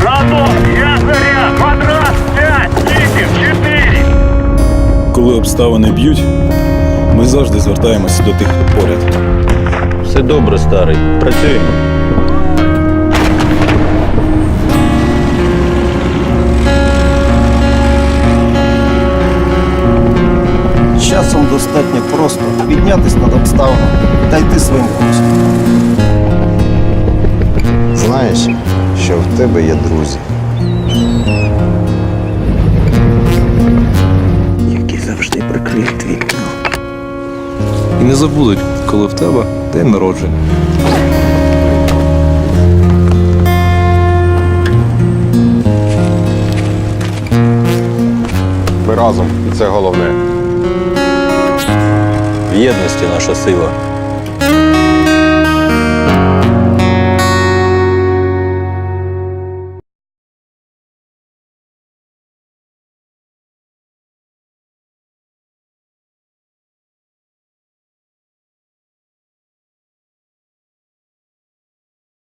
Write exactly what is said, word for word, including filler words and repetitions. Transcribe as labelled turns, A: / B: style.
A: Антон, я заряд! Квадрат, п'ять, вісім, чотири!
B: Коли обставини б'ють, ми завжди звертаємося до тих, хто поряд.
C: Все добре, старий. Працюємо.
D: Часом достатньо просто піднятись над обставинами та йти своїм курсом.
E: Знаєш, що в тебе є друзі.
D: Які завжди прикриють твій тил.
F: І не забудуть, коли в тебе день народження.
E: Ми разом, і це головне.
C: В єдності наша сила.